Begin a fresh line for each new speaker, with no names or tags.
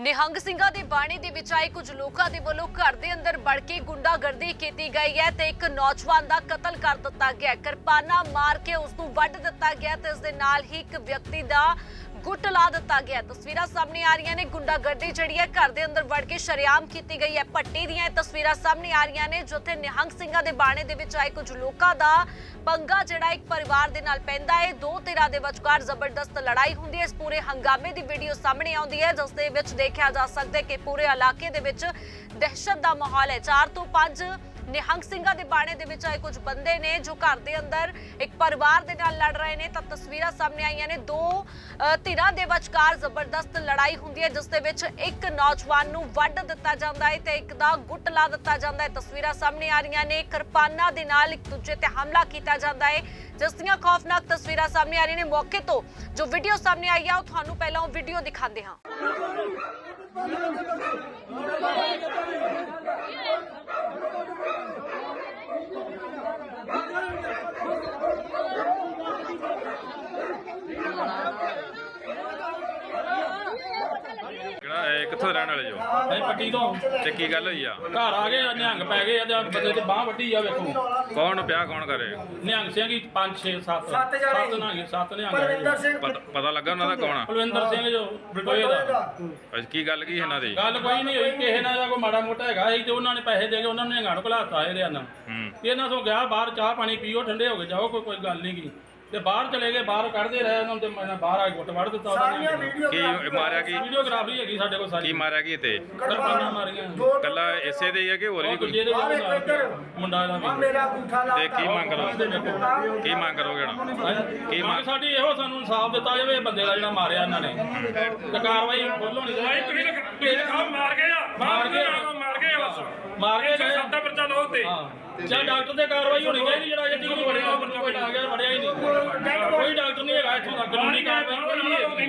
ਨਿਹੰਗ ਸਿੰਘਾਂ ਦੇ ਬਾਣੇ ਦੇ ਵਿੱਚ ਆਏ ਕੁਝ ਲੋਕਾਂ ਦੇ ਵੱਲੋਂ ਘਰ ਦੇ ਅੰਦਰ ਵੜ ਕੇ ਗੁੰਡਾਗਰਦੀ ਕੀਤੀ ਗਈ ਹੈ ਤੇ ਇੱਕ ਨੌਜਵਾਨ ਦਾ ਕਤਲ ਕਰ ਦਿੱਤਾ ਗਿਆ। ਕਿਰਪਾਨਾਂ ਮਾਰ ਕੇ ਉਸ ਨੂੰ ਵੱਢ ਦਿੱਤਾ ਗਿਆ ਤੇ ਇਸ ਦੇ ਨਾਲ ਹੀ ਇੱਕ ਵਿਅਕਤੀ ਦਾ ਗੁੱਟ ਲਾ ਦਿੱਤਾ ਗਿਆ। ਤਸਵੀਰਾਂ ਸਾਹਮਣੇ ਆ ਰਹੀਆਂ ਨੇ। ਗੁੰਡਾਗਰਦੀ ਜਿਹੜੀ ਹੈ ਘਰ ਦੇ ਅੰਦਰ ਵੜ ਕੇ ਸ਼ਰੇਆਮ ਕੀਤੀ ਗਈ ਹੈ। ਪੱਟੀ ਦੀਆਂ ਤਸਵੀਰਾਂ ਸਾਹਮਣੇ ਆ ਰਹੀਆਂ ਨੇ ਜਿੱਥੇ ਨਿਹੰਗ ਸਿੰਘਾਂ ਦੇ ਬਾਣੇ ਦੇ ਵਿੱਚ ਆਏ ਕੁਝ ਲੋਕਾਂ ਦਾ ਪੰਗਾ ਜਿਹੜਾ ਇੱਕ ਪਰਿਵਾਰ ਦੇ ਨਾਲ ਪੈਂਦਾ ਹੈ। ਦੋ ਧਿਰਾਂ ਦੇ ਵਿਚਕਾਰ ਜ਼ਬਰਦਸਤ ਲੜਾਈ ਹੁੰਦੀ ਹੈ। ਇਸ ਪੂਰੇ ਹੰਗਾਮੇ ਦੀ ਵੀਡੀਓ ਸਾਹਮਣੇ ਆਉਂਦੀ ਹੈ ਜਿਸ ਦੇ ਵਿੱਚ ਦੇਖਿਆ ਜਾ ਸਕਦਾ ਹੈ ਕਿ ਪੂਰੇ ਇਲਾਕੇ ਦੇ ਵਿੱਚ ਦਹਿਸ਼ਤ ਦਾ ਮਾਹੌਲ ਹੈ। 4 ਤੋਂ 5 ਨਿਹੰਗ ਸਿੰਘਾਂ ਦੇ ਬਾਣੇ ਦੇ ਵਿੱਚ ਆਏ ਕੁਝ ਬੰਦੇ ਨੇ ਜੋ ਘਰ ਦੇ ਅੰਦਰ ਇੱਕ ਪਰਿਵਾਰ ਦੇ ਨਾਲ ਲੜ ਰਹੇ ਨੇ। ਤਾਂ ਤਸਵੀਰਾਂ ਸਾਹਮਣੇ ਆਈਆਂ ਨੇ। ਦੋ ਧਿਰਾਂ ਦੇ ਵਿਚਕਾਰ ਜ਼ਬਰਦਸਤ ਲੜਾਈ ਹੁੰਦੀ ਹੈ ਜਿਸ ਦੇ ਵਿੱਚ ਇੱਕ ਨੌਜਵਾਨ ਨੂੰ ਵੱਢ ਦਿੱਤਾ ਜਾਂਦਾ ਹੈ ਤੇ ਇੱਕ ਦਾ ਗੁੱਟ ਲਾ ਦਿੱਤਾ ਜਾਂਦਾ ਹੈ। ਤਸਵੀਰਾਂ ਸਾਹਮਣੇ ਆ ਰਹੀਆਂ ਨੇ। ਕਿਰਪਾਨਾਂ ਦੇ ਨਾਲ ਇੱਕ ਦੂਜੇ ਤੇ ਹਮਲਾ ਕੀਤਾ ਜਾਂਦਾ ਹੈ ਜਿਸ ਦੀਆਂ ਖੌਫਨਾਕ ਤਸਵੀਰਾਂ ਸਾਹਮਣੇ ਆ ਰਹੀਆਂ ਨੇ। ਮੌਕੇ ਤੋਂ ਜੋ ਵੀਡੀਓ ਸਾਹਮਣੇ ਆਈ ਆ ਉਹ ਤੁਹਾਨੂੰ ਪਹਿਲਾਂ ਉਹ ਵੀਡੀਓ ਦਿਖਾਉਂਦੇ ਹਾਂ।
ਕਿੱਥੋਂ ਰਹਿਣ ਵਾਲੇ ਜੋ?
ਭਾਈ ਪੱਟੀ ਤੋਂ।
ਤੇ ਕੀ ਗੱਲ ਹੋਈ ਆ?
ਘਰ ਆ ਗਏ ਨਿਹੰਗ ਪੈ ਗਏ ਆ ਬੰਦੇ ਤੇ ਬਾਹ ਵੱਢੀ ਆ। ਵੇਖੋ
ਕੌਣ ਪਿਆ ਕੌਣ ਕਰੇ?
ਨਿਹੰਗ ਸਿੰਘ ਹੀ 5 6 7 7 ਨਿਹੰਗ।
ਪਤਾ ਲੱਗਾ ਉਹਨਾਂ ਦਾ ਕੌਣ ਆ?
ਕੁਲਵਿੰਦਰ ਸਿੰਘ ਜੋ ਬਟੋਏ ਦਾ।
ਅੱਛਾ, ਕੀ ਗੱਲ ਕੀ ਇਹਨਾਂ ਦੀ?
ਗੱਲ ਕੋਈ ਨਹੀਂ ਹੋਈ। ਕਿਸੇ ਨਾਲ ਦਾ ਕੋਈ ਮਾੜਾ ਮੋਟਾ ਹੈਗਾ ਸੀ ਤੇ ਉਹਨਾਂ ਨੇ ਪੈਸੇ ਦੇ ਕੇ ਉਹਨਾਂ ਨੇ ਨਿਹੰਗਾਂ ਨੂੰ ਘਲਾਤਾ ਇਹਦੇ ਨਾਲ। ਇਹਨਾਂ ਤੋਂ ਗਿਆ ਬਾਹਰ ਚਾਹ ਪਾਣੀ ਪੀਓ ਠੰਡੇ ਹੋ ਕੇ ਜਾਓ। ਕੋਈ ਗੱਲ ਨਹੀਂ ਗੀ ਤੇ ਬਾਹਰ ਚਲੇ ਗਏ। ਬਾਹਰ ਕੱਢਦੇ ਰਹੇ ਉਹਨਾਂ ਤੇ ਮੈਂ ਬਾਹਰ ਆ ਕੇ ਗੁੱਟ ਵੜ ਦਿੱਤਾ ਉਹਨਾਂ ਨੇ।
ਕੀ ਮਾਰਿਆ? ਕੀ
ਵੀਡੀਓਗ੍ਰਾਫੀ ਹੈਗੀ ਸਾਡੇ ਕੋਲ ਸਾਰੀ।
ਕੀ ਮਾਰਿਆ ਕੀ ਤੇ?
ਕਿਰਪਾਨਾਂ ਮਾਰੀਆਂ।
ਕੱਲਾ ਇਸੇ ਦੇ ਹੀ ਆ ਕਿ ਹੋਰ ਵੀ ਕੋਈ?
ਜਿਹਦੇ ਮੁੰਡਾ ਦਾ ਵੀ।
ਤੇ ਕੀ ਮੰਗ ਕਰੋ? ਕੀ ਮੰਗ ਕਰੋਗੇ ਹੁਣ? ਕੀ ਮੰਗ?
ਸਾਡੀ ਇਹੋ ਸਾਨੂੰ ਇਨਸਾਫ ਦਿੱਤਾ ਜਾਵੇ ਬੰਦੇ ਦਾ ਜਿਹੜਾ ਮਾਰਿਆ ਇਹਨਾਂ ਨੇ ਤੇ ਕਾਰਵਾਈ ਫੁੱਲ ਹੋਣੀ ਚਾਹੀਦੀ।
ਮਾਰ ਗਏ ਆ
ਮਾਰ ਗਏ
ਬਸ
ਮਾਰ ਕੇ ਗਏ।
ਸੱਤਾ ਪਰਚਾ ਲਓ ਤੇ
ਜਾਂ ਡਾਕਟਰ ਤੇ ਕਾਰਵਾਈ ਹੋਣੀ ਚਾਹੀਦੀ। ਜਿਹੜਾ ਇਹ ਟੀਮ ਵੜਿਆ ਬੰਦਾ ਕੋਈ ਆ ਗਿਆ ਵੜਿਆ ਹੀ ਨਹੀਂ। ਕੋਈ ਡਾਕਟਰ ਨਹੀਂ ਹੈਗਾ ਇੱਥੋਂ ਤੱਕ ਕਾਨੂੰਨੀ ਕਾਰਵਾਈ ਕੋਈ ਨਹੀਂ।